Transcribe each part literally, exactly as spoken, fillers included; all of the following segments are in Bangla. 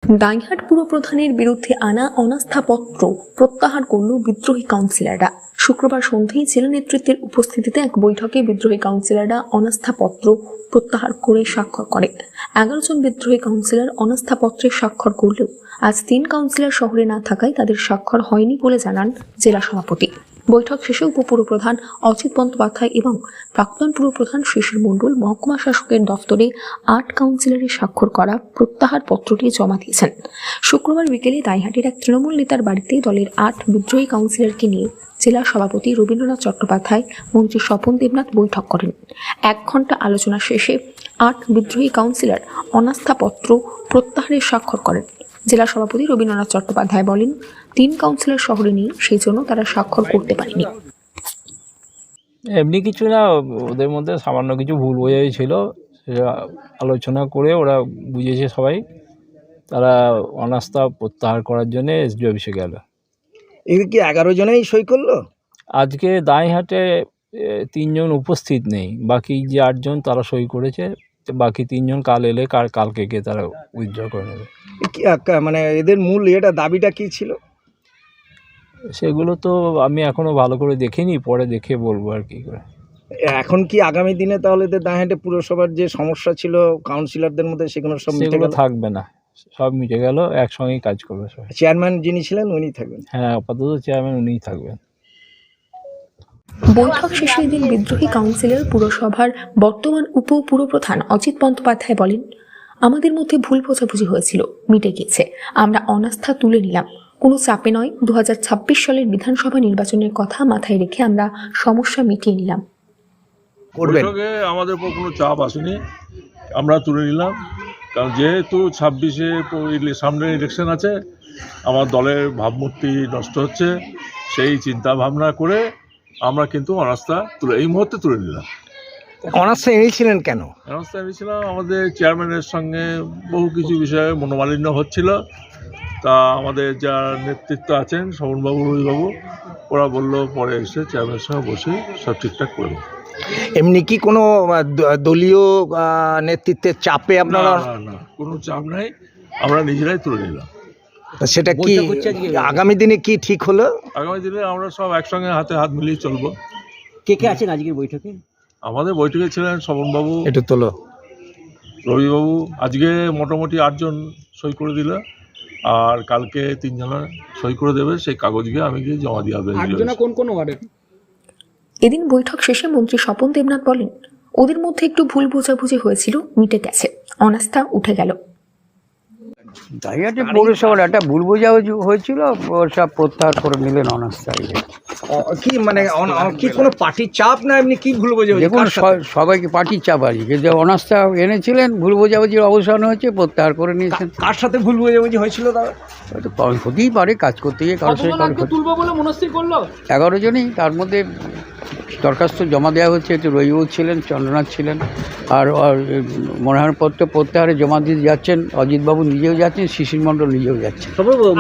দাইহাট পুরপ্রধানের বিরুদ্ধে আনা অনাস্থাপত্র প্রত্যাহার করল বিদ্রোহী কাউন্সিলররা। শুক্রবার সন্ধ্যায় জেলা নেতৃত্বের উপস্থিতিতে এক বৈঠকে বিদ্রোহী কাউন্সিলররা অনাস্থাপত্র প্রত্যাহার করে স্বাক্ষর করে। এগারো জন বিদ্রোহী কাউন্সিলর অনাস্থাপত্রে স্বাক্ষর করলেও আজ তিন কাউন্সিলর শহরে না থাকায় তাদের স্বাক্ষর হয়নি বলে জানান জেলা সভাপতি। বৈঠক শেষে উপপুরপ্রধান অজিত বন্দ্যোপাধ্যায় এবং প্রাক্তন পুরপ্রধান শিশির মণ্ডল মহকুমা শাসকের দফতরে আট কাউন্সিলরের স্বাক্ষর করা প্রত্যাহার পত্রটি জমা দিয়েছেন। শুক্রবার বিকেলে দাইহাটের এক তৃণমূল নেতার বাড়িতে দলের আট বিদ্রোহী কাউন্সিলরকে নিয়ে জেলা সভাপতি রবীন্দ্রনাথ চট্টোপাধ্যায়, মন্ত্রী স্বপন দেবনাথ বৈঠক করেন। এক ঘন্টা আলোচনা শেষে আট বিদ্রোহী কাউন্সিলর অনাস্থাপত্র প্রত্যাহারের স্বাক্ষর করেন। জেলা সভাপতি রবীন্দ্রনাথ চট্টোপাধ্যায় বলেন, তিন কাউন্সিলর শহরে নেই, সেই জন্য তারা স্বাক্ষর করতে পারেনি। এমনি কিছু না, ওদের মধ্যে সামান্য কিছু ভুল বোঝাই ছিল, সেটা আলোচনা করে ওরা বুঝেছে সবাই, তারা অনাস্থা প্রত্যাহার করার জন্য এসডি অফিসে গেল। এই কি এগারো জনেই সই করলো? আজকে দাইহাটে তিনজন উপস্থিত নেই, বাকি যে আটজন তারা সই করেছে, বাকি তিনজন কাল এলে কার কালকে গিয়ে তারা উইথড্র করে নেবে। মানে এদের মূল এটা দাবিটা কি ছিল? সেগুলো তো আমি এখনো ভালো করে দেখিনি, পরে দেখে বলবো আর কি করে। এখন কি আগামী দিনে তাহলে এদের দাইহাটে পুরসভার যে সমস্যা ছিল কাউন্সিলরদের মধ্যে সেগুলো সব মিটে গেল? থাকবে না, সব মিটে গেল, একসঙ্গেই কাজ করবে সবাই। চেয়ারম্যান যিনি ছিলেন উনি থাকবেন? হ্যাঁ, আপাতত চেয়ারম্যান উনিই থাকবেন। বৈঠক শেষে এদিন বিদ্রোহী কাউন্সিলর পুরসভার বর্তমান উপ পুরপ্রধান অজিত বন্দ্যোপাধ্যায় বলেন, আমাদের মধ্যে ভুল বোঝাবুঝি হয়েছিল, মিটে গেছে, আমরা অনাস্থা তুলে নিলাম, কোনো চাপে নয়। দু হাজার ছাব্বিশ সালের বিধানসভা নির্বাচনের কথা মাথায় রেখে আমরা সমস্যা মিটিয়ে নিলাম। বৈঠকে আমাদের উপর কোনো চাপ আসেনি, আমরা তুলে নিলাম, কারণ যেহেতু ছাব্বিশে সামনে ইলেকশন আছে, আমার দলের ভাবমূর্তি নষ্ট হচ্ছে, সেই চিন্তা ভাবনা করে আমরা কিন্তু অনাস্থা তুলে এই মুহূর্তে তুলে নিলাম। অনাস্থা এনেছিলেন কেন? অনাস্থা এনেছিলাম আমাদের চেয়ারম্যানের সঙ্গে বহু কিছু বিষয়ে মনোমালিন্য হচ্ছিল, তা আমাদের যা নেতৃত্ব আছেন শোভনবাবু, রবিবাবু, ওরা বললো পরে এসে চেয়ারম্যানের সঙ্গে বসে সব ঠিকঠাক করে দেবো। এমনি কি কোনো দলীয় নেতৃত্বের চাপে আপনারা? না না, কোনো চাপ নাই, আমরা নিজেরাই তুলে নিলাম। সেটা কি আগামী দিনে কি ঠিক হলো? আগামী দিনে আমরা সব একসঙ্গে হাতে হাত মিলিয়ে চলবো। কে কে আছেন আজকের বৈঠকে? আমাদের বৈঠকে ছিলেন শোভনবাবু, একটু তোলো, রবিবাবু, আজকে মোটামুটি আটজন সই করে দিল, আর কালকে তিনজনা সই করে দেবে, সেই কাগজ গিয়ে আমি গিয়ে জমা দিয়ে আসবো। কোন কোন ওয়ার্ডে? এদিন বৈঠক শেষে মন্ত্রী স্বপন দেবনাথ বলেন, ওদের মধ্যে একটু ভুল বোঝাবুঝি হয়েছিল, মিটে গেছে, অনাস্থা উঠে গেল। দাইহাটে পৌরসভার একটা ভুল বোঝাবুঝি হয়েছিল, সব প্রত্যাহার করে নিলেন অনাস্থা। কি মানে কি কোনো পার্টির চাপ না এমনি কি ভুল বোঝাবুঝি? দেখুন, সবাইকে পার্টির চাপ আছে, কিন্তু অনাস্থা এনেছিলেন, ভুল বোঝাবুঝির অবসান হয়েছে, প্রত্যাহার করে নিয়েছেন। কার সাথে ভুল বোঝাবুঝি হয়েছিল? দাদা হয়তো হতেই পারে, কাজ করতে গিয়ে কারোর সাথে এগারো জনই, তার মধ্যে দরখাস্ত জমা দেওয়া হচ্ছে, একটু রবিবাবু ছিলেন, চন্দ্রনাথ ছিলেন, আর মনোনয়নপত্র প্রত্যাহারে জমা দিয়ে যাচ্ছেন অজিতবাবু নিজেও যাচ্ছেন, শিশির মণ্ডল নিজেও যাচ্ছেন।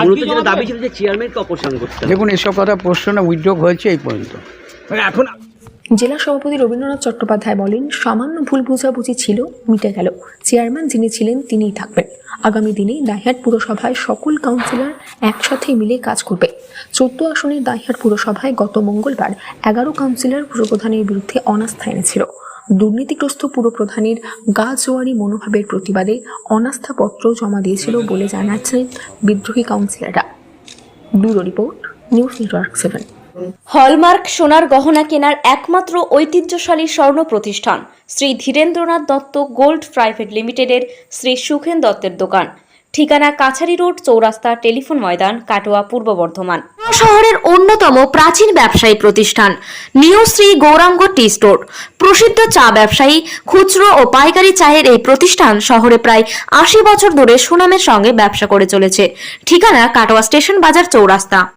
দেখুন, এসব কথা প্রশ্ন না, উইথড্র হয়েছে এই পর্যন্ত। এখন জেলা সভাপতি রবীন্দ্রনাথ চট্টোপাধ্যায় বলেন, সামান্য ভুল বোঝাবুঝি ছিল, মিটে গেল, চেয়ারম্যান যিনি ছিলেন তিনিই থাকবেন। আগামী দিনে দাইহাট পুরসভায় সকল কাউন্সিলর একসাথে মিলে কাজ করবে। চোদ্দ আসনের দাইহাট পুরসভায় গত মঙ্গলবার এগারো কাউন্সিলর পুরপ্রধানের বিরুদ্ধে অনাস্থা এনেছিল। দুর্নীতিগ্রস্ত পুরপ্রধানের গা জোয়ারি মনোভাবের প্রতিবাদে অনাস্থাপত্র জমা দিয়েছিল বলে জানাচ্ছেন বিদ্রোহী কাউন্সিলররা। Bureau report, news network seven. Hallmark সোনার গহনা কেনার একমাত্র ঐতিহ্যশালী স্বর্ণ প্রতিষ্ঠান শ্রী ধীরেন্দ্রনাথ দত্ত গোল্ড প্রাইভেট লিমিটেডের শ্রী সুখেন দত্তের দোকান। ঠিকানা কাছারি রোড, চৌরাস্তা, টেলিফোন ময়দান, কাটোয়া, পূর্ব বর্ধমান। শহরের অন্যতম প্রাচীন ব্যবসায়ী প্রতিষ্ঠান new Shri Gouranga tea store. প্রসিদ্ধ চা ব্যবসায়ী, খুচরো ও পাইকারি চায়ের এই প্রতিষ্ঠান শহরে প্রায় আশি বছর ধরে সুনামের সঙ্গে ব্যবসা করে চলেছে। ঠিকানা কাটোয়া স্টেশন বাজার, চৌরাস্তা।